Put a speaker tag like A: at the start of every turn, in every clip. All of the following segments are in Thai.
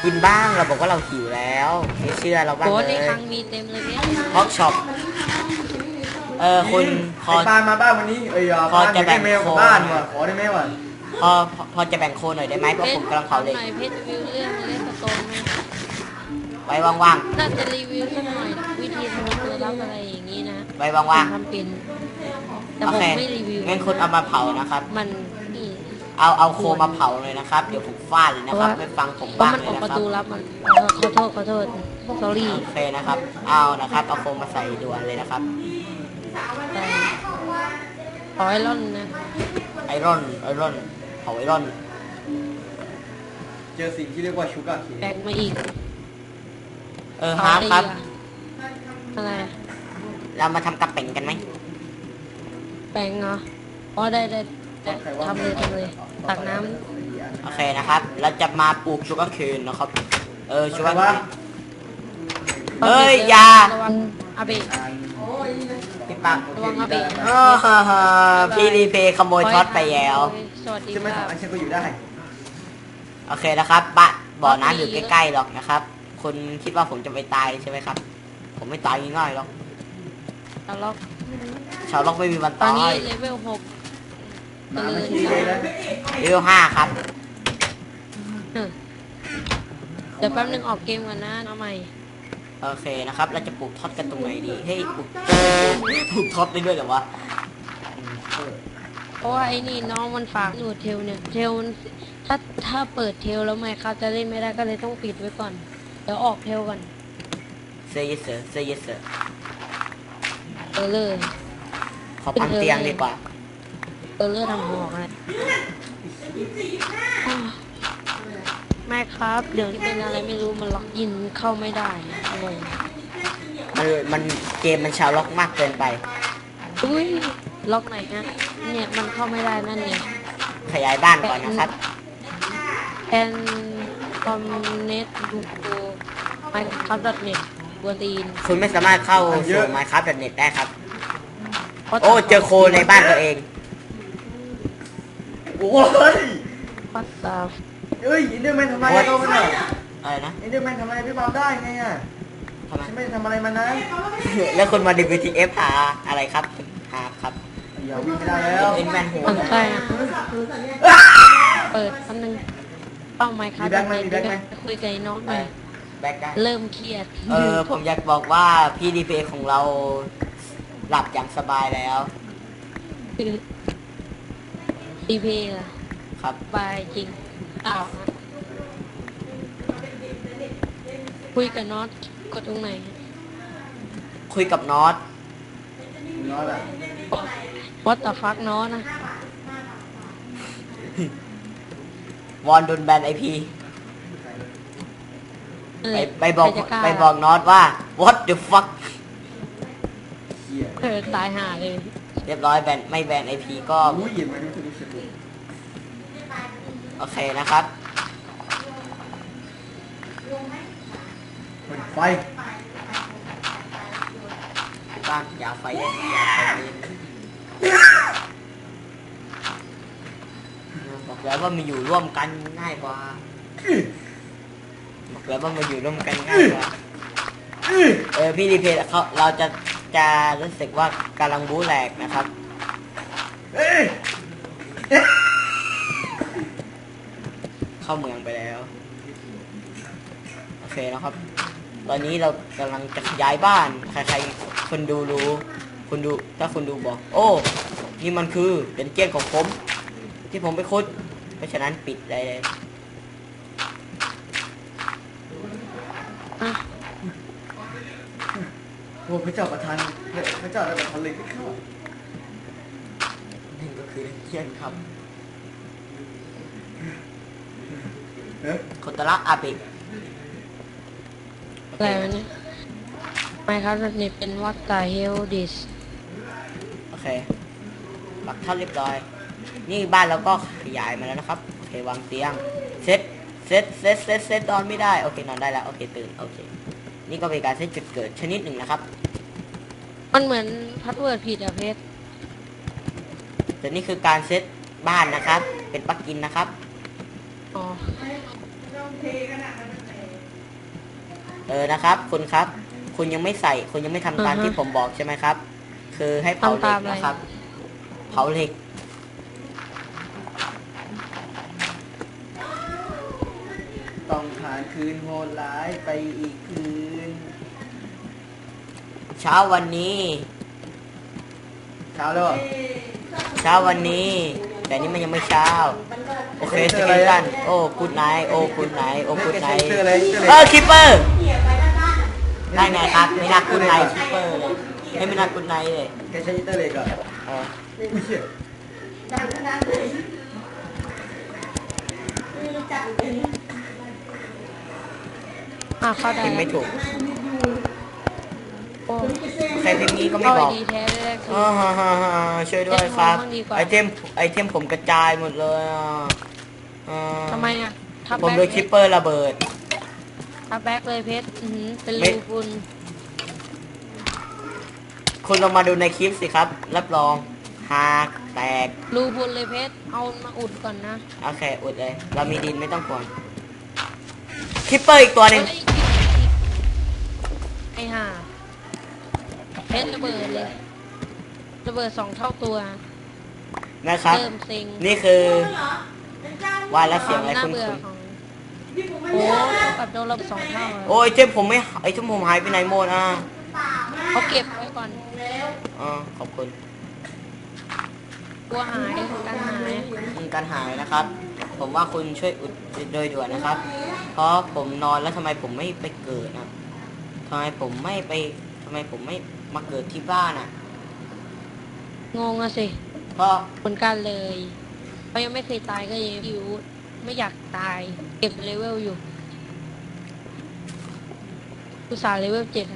A: กินบ้างเราบอกว่าเราหิวแล้วไม่เชื่อเราบ้าง
B: โอ้
A: เลย
B: ในครั้งมีเต็มเลยเนี่ย
A: ฮอกช็อปคุณพอ
C: ไอ้ปานมาบ้านวันนี้
A: พอ
C: บ้าน
A: จะแบ่
C: ได้
A: ง
C: เมล
A: โค
C: กับบ้านว่ะขอได้ไหมวะ
A: พอจะแบ่งโคหน่อยได้ไหมเพราะผมกำลังเผาเหล็ก
B: หน่อยเพชรวิวเรื่องเลสโตนไหม
A: ไว้ว่าง
B: น่าจะรีวิวสักหน่อยวิธีทำตัวรับอะไรอย่างนี้นะ
A: ๆไว้ว่าง
B: ทำเป็น
A: ๆ
B: แต่
A: โอ
B: ผม
A: เค
B: ไม่รีวิว
A: งั้นคุณเอามาเผานะครับ
B: มันนี่
A: เอาโคมาเผาเลยนะครับเดี๋ยวผมฟาดเลยนะครับไม่ฟังผม
B: เพราะ
A: บ้าง
B: มัน
A: เล
B: อย อก
A: นะ
B: ประ
A: ครับ
B: ตูรับมันขอโทษ sorry
A: โอเคนะครับเอานะครับเอาโคมาใส่ด่วนเลยนะครับ
B: แต่ขอไอรอนนะ
A: ไอรอนเผาไอรอน
C: เจอสิ่งที่เรียกว่าชูการ์เค
B: แบกมาอีก
A: ฮาร์ดครับ
B: อะไร
A: เรามาทำกระเป๋งกันไหม
B: แบงเหรออ๋อได้ทำเลยตักน้
A: โอเคนะครับเราจะมาปลูกชูการ์เคนนะครับชูการ์
C: ว่า
A: เคน
B: ำ
A: เอ้ยอย่า
B: ระวังอาเบะ
A: พี่ปัง
B: ระวังอาเบะ
A: พี่รีเพย์ขโมยท็อตไปแล้ว
B: สวัสดี
C: จะไม่
B: ครั
C: ทำ
B: บ
C: อันเช่นก็อยู่ได้
A: โอเคนะครับบ่อน้ำอยู่ใกล้ๆหรอกนะครับคุณคิดว่าผมจะไปตายใช่ไหมครับ ผมไม่ตายง่ายๆหรอก
B: ตลก
A: ชาวโลกไม่มีวัน
B: ตอน
A: ตา
B: นี้
A: ย
B: เลเวล6
C: น้ำไม่ขี้เลยนะ
A: เลเวล5ครับ
B: เดี๋ยวแป๊บนึงออกเกมก่อนนะน้องใหม่
A: โอเคนะครับเราจะปลูกท็อตกันตรงไหนดีเฮ้ยปลูกท็อตได้ด้วยเหรอวะ
B: เพราะว่าไอ้นี่น้องมันฝากหนูเทลเนี่ยเทลมันถ้าเปิดเทลแล้วไม่เขาจะเล่นไม่ได้ก็เลยต้องปิดไว้ก่อนเดี๋ยวออกเทลก่อน
A: Say yes sir Say yes sir
B: เลย
A: ขอพังเตียงดีกว่า
B: เลือดทำหอกอะไรไม่ครับเดี๋ยวนี้เป็นอะไรไม่รู้มันล็อกอินเข้าไม่ได้งง
A: มันเกมมันชาวล็อกมากเกินไป
B: อุ้ยล็อกไหนนะเนี่ยมันเข้าไม่ได้นั่นไง
A: ขยายบ้านก่อนนะครับ
B: แอนคอมเน็ตดูโกไมครับดอทเน็ตบัวตีน
A: คุณไม่สามารถเข้าสู่ Minecraft.net ได้ครับ โอ้เจอโคในบ้านตัวเอง
C: โอ้ย
B: ปัตตา
C: เอ้ยอินเดอร์แมนทำอะไรก็มันอ่ะ
A: อะไรนะ
C: อินเดอร์แมนทำอะไรพี่ปามได้ไงอ่ะ
A: ทำไม
C: ฉันไม่ได้ทำอะไรมันนะ
A: แล้วคุณมา WTF หาอะไรครับหาครับ
C: อย่าวิ่งไม่ได้แล้ว
A: เอ็นแมนหัว
B: มันใช่อะเปิดคำนึงเป้าไมค์ครับคุยกับน้องหน่อย
A: แบ็กได้
B: เริ่มเครียด
A: ผมอยากบอกว่าพี่ดีเพของเราหลับอย่างสบายแล้ว
B: ดีเพย์อะ
A: ครับ
B: บายจริงอ้าวคุยกับน็อตกดตรงไหน
A: คุยกับน็อต
C: น้อยละ
B: วัดต่อฟักน็อตนะ
A: วอนโดนแบนไอพี
B: เออ
A: ไปบอก
B: ใครจะล้า
A: ไปบอกน็อตว่า what the fuck
C: เหี้ย
B: ตายห่าเลย
A: เรียบร้อยแบนไม่แบนไอพีก็
C: อุ้ยเห็นไหมนี่คือดูสิ
A: โอเคนะครับ
C: เปิดไฟ
A: บ้านอย่าไฟเย็นอย่าไฟเย็นบอกแล้วว่ามาอยู่ร่วมกันง่ายกว่าบอกแล้วว่ามาอยู่ร่วมกันง่ายกว่าพี่ดีเพย์เราจะรู้สึกว่ากำลังบู๊แหลกนะครับ เข้าเมืองไปแล้ว โอเคนะครับ ตอนนี้เรากำลังจะย้ายบ้าน ใครๆคนดูรู้คุณดูถ้าคุณดูบอก โอ้ นี่มันคือเป็นเกี้ยนของผม ที่ผมไปขุด เพราะฉะนั้นปิดเลย
B: อ่ะ
C: โอ้พระเจ้าประทานพระเจ้าได้ประทานเลยเข้า
A: นั่นก็คือเกี้ยนครับ
C: เฮ้ย
A: โคตระอาเบะ
B: อะไรวะเนี่ยไมค์ครับนี่เป็นวัดตาเฮลดิส
A: โอเคปักท่าเรียบร้อย นี่บ้านเราก็ขยายมาแล้วนะครับ โอเควางเตียง เซตนอนไม่ได้ โอเคนอนได้แล้ว โอเคตื่น โอเค นี่ก็เป็นการเซตจุดเกิดชนิดหนึ่งนะครับ
B: มันเหมือนพาสเวิร์ดผิดอะเพชร
A: แต่นี่คือการเซตบ้านนะครับ เป็นปลั๊กอินนะครับ
B: อ๋อ
A: นะครับ คุณครับ คุณยังไม่ใส่ คุณยังไม่ทำตามที่ผมบอกใช่ไหมครับ คือให้เผาเหล็กนะครับ เผาเหล็ก
C: ต้องผ่านคืนโหดร้ายไปอีกคืน
A: เช้าวันนี้
C: เช้าแล้วเหรอ
A: เช้าวันนี้ แต่นี่มันยังไม่เช้า โอเคสเกลตันโอ้กูดไนท์โอ้กูดไนท์โอ้กูดไนท์
C: เจออะไรเจออะไร
A: คิปเปอร์ได้ไงครับ ไม่น่ากูดไนท์คิปเปอร์เลยไม่น่ากูดไนท์เลย
C: แกใช้อินเตอร์เล็กเหรอ
A: เออ
C: ไม่เชื่อ
B: เข้าได้
A: พิมพ์ไม่ถูก
B: โอ้
A: ใครพิมพ์นี้ก็ไม่
B: เข้า
A: บอก
B: ดีแท้ได้
A: อ่าฮะฮะฮะช่วยด้วยครับ
B: เล่นของบ้างดีกว่า
A: ไอเทมผมกระจายหมดเลย
B: ทำไมอ่ะทับ
A: ผม
B: แบ็
A: โดนคิปเปอร์ระเบิด
B: ทับแบ็กเลยเพชรเป็น
A: ไม่
B: รูคุณ
A: คุณลองมาดูในคลิปสิครับ รับรองหากแตก
B: รูคุณเลยเพชรเอามาอุดก่อนนะ
A: โอเค อุดเลย เรามีดินไม่ต้องกลัวคิปเปอร์อีกตัวหนึ่ง
B: เฮ้ยไอ้ห่าเพชรระเบิดเลยระเบิด2 เท่าตัว
A: นะครับ
B: เริ่มเซ็ง
A: นี่คือวายและเสียงอะไร
B: น่า
A: คุณ
B: เบื่อ
A: คุณ
B: ของโอ้กับโดนระเบิด2 เท่าอะ
A: โอ้ยเทมผมไม่ไอเทมผมหายไปไหนหมด
B: เขาเก็บไว้ก่อน
A: ขอบคุณ
B: กลัวหายการหาย
A: การหายนะครับ ผมว่าคุณช่วยอุดโดยด่วนนะครับ เพราะผมนอนแล้วทำไมผมไม่ไปเกิดนะทำไมผมไม่มาเกิดที่บ้านอ่ะ
B: งงอะสิ
A: เพราะ
B: เหมือนกันเลยเขายังไม่เคยตายก็ยังอยู่ไม่อยากตาย เก็บเลเวลอยู่อุตส่าห์เลเวล7อะ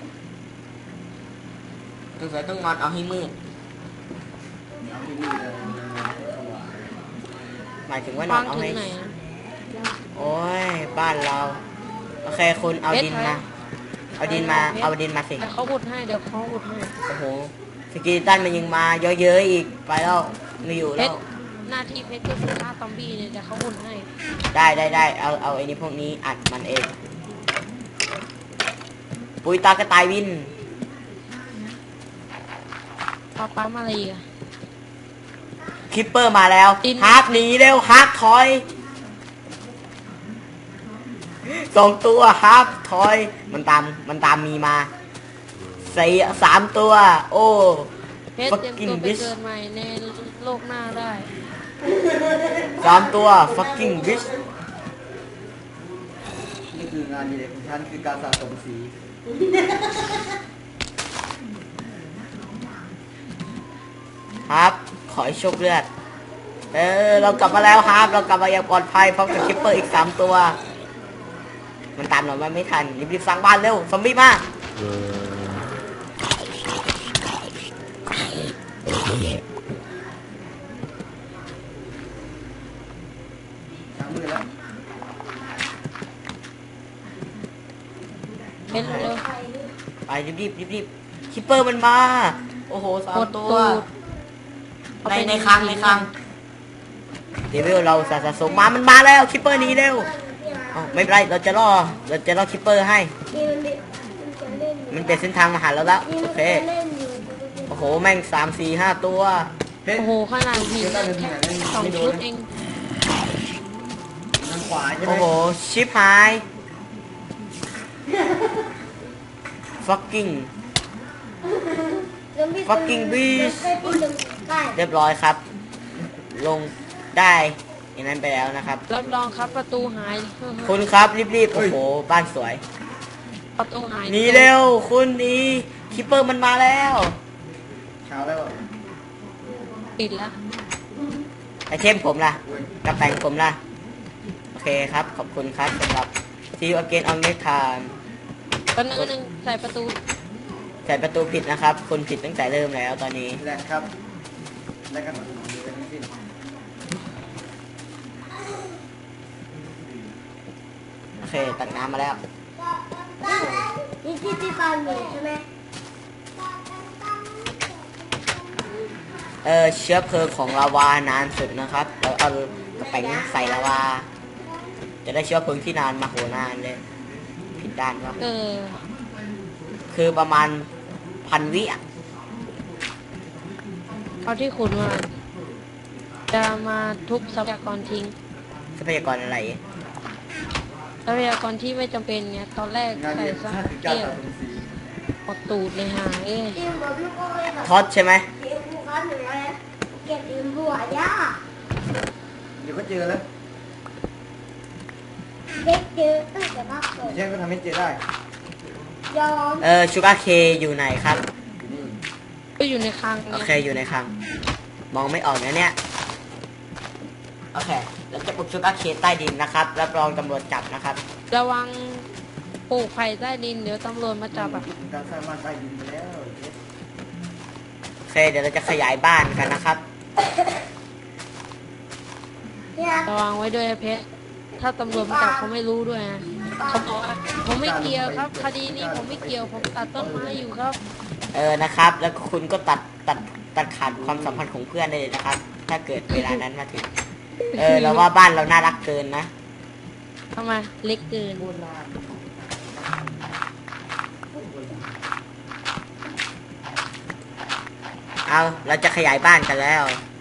A: สงสัยต้องนอนเอาให้มืด
C: เอาที่นี่เลยสว่าง
A: หมายถึงว่านอ
B: ฟั
A: น
B: ง
A: เอา
B: ถึ
A: ให้
B: งไหนอะ
A: โอ้ยบ้านเรา โอเคคุณเอาดินมา เอาดินมาสิ
B: เดี๋ยวเขาอุดให้เดี๋ยวเขาอุดให้
A: โอ้โหสกีตันมันยังมาเยอะๆอีกไปแล้วไม่อยู่
B: เพ
A: แล้
B: ช
A: ว
B: รหน้าที่เพชรก็คือฆ่าซอมบี้เนี่ยเดี๋ยวเขาอุดให้
A: ได้เอาไอ้นี่พวกนี้อัดมันเองปุยตากระต่ายวิน
B: พอปั๊มอะไรอีกอะ
A: คิปเปอร์มาแล้ว
B: ดิน
A: ฮาร์กหนีเร็วฮาร์กถอย2 ตัวฮาร์กถอย มันตามมีมา3 ตัว โอ้
B: เพชรเตรียม
A: fucking
B: ตัวไป
A: bitch
B: เกิดใหม่ในโลกหน้าได้
A: 3 ตัว fucking bitch
C: นี่คืองานอดีเลยของฉันคือการสะสมสี
A: ครับ ขอให้โชคเลือด เรากลับมาแล้วครับ เรากลับมาอย่างปลอดภัยพร้อมกับคิปเปอร์อีก3 ตัว มันตามเราไม่ทันรีบๆสร้างบ้านเร็วซอมบี้มา
C: ช้างมือแล้ว
B: เพชรเร็ว
A: ไปรีบคิปเปอร์มันมา โอ้โห
B: ๆกด
A: 3 ตัว
B: ตูด
A: ในคลังเดวิลเราสะสมมามันมาแล้วคิปเปอร์หนี้เร็วอ้าวไม่เป็นไรเราจะล่อคิปเปอร์ให้ มันเป็นเส้นทางมาหาเราแล้วโอเคโอ้โหแม่ง3 4 5 ตัว
C: เพชร
B: โอ้โหขนาดหินนั่นแค่2 ชุดเอง
C: ทางขวาใช่ไหม
A: โอ้โหชิปหาย fucking fucking beast เรียบร้อยครับ ลงได้อย่างนั้นไปแล้วนะครับ
B: รับรองครับประตูหาย
A: คุณครับรีบๆโอ้โหบ้านสวย
B: ประตูหาย
A: หนีเร็วคุณหนีคิปเปอร์มันมาแล้ว
C: เช้าแล้วเหรอ
B: ปิดแล้ว
A: ไอเทมผมล่ะกระแปงผมล่ะโอเคครับขอบคุณครับสำหรับ See you again on next time
B: ตอนนึงใส่ประตู
A: ใส่ประตูผิดนะครับ คุณผิดตั้งแต่เริ่มแล้วตอนนี้
C: แลกครับแลกกันหมดเลยทั้งสิ้น
A: โอเค ตัดน้ำมาแล้ว
D: นี่ที่ฟาร์มอยู่ใช่ไหม
A: เชื้อเพลิงของลาวานานสุดนะครับ เราเอากระแปงใส่ลาวา จะได้เชื้อเพลิงที่นานมาโหนานเลย ผิดด้านวะ
B: เออ
A: คือประมาณ1,000 วิอ่ะ
B: เอาที่ขุดมา จะมาทุบทรัพยากรทิ้ง
A: ทรัพยากรอะไร
B: ทรัพยากรที่ไม่จำเป็นไงตอนแรก
C: งาน
B: ใส่
C: เรียน
B: ซัก
C: ค่าถึงการ
B: เกี่ยว
C: ตัดผมสี
B: หมดตูดเลยหาเอ้ย
D: ทีมบอกลูกก็เลยแบบ
A: ทอดใช่ไหม
D: ทีมผู้ค้าหนึ่งอะไรเก็บทีมบัวย่า
C: เดี๋ยวก็เจอแล้ว
D: เด็กเจอตั้งแต่ภาคสอง
C: แช่ก็ทำให้เจอได้
D: ยอม
A: ชูการ์เคอยู่ไหนครับ
C: อยู่นี่
B: ก็อยู่ในคลัง
A: โอ
B: เนี่ย
A: เคอยู่ในคลัง มองไม่ออกนะเนี่ย โอเคเราจะปลูกชูการ์เคใต้ดินนะครับรับรองตำรวจจับนะครับ
B: ระวังปลูกไผ่ใต้ดินเดี๋ยวตำรวจมาจับอ่ะ
C: การสร้างบ้านใต้ดินไปแล้ว
A: โอเค เดี๋ยวเราจะขยายบ้านกันนะครับ
D: เนี่ย
B: ระวังไว้ด้วยนะเพชรถ้าตำรวจมาจับเขาไม่รู้ด้วยนะเขาบอกว่าผมไม่เกี่ยวครับ คดีนี้ผมไม่เกี่ยวผมตัดต้นไม้อยู่ครับ
A: นะครับ แล้วคุณก็ตัดขาดความสัมพันธ์ของเพื่อนได้เลยนะครับ ถ้าเกิดเวลานั้นมาถึง เราว่าบ้านเราน่ารักเกินนะ
B: ทำไมเล็กเกิน
A: เอาเราจะขยายบ้านกันแล้ว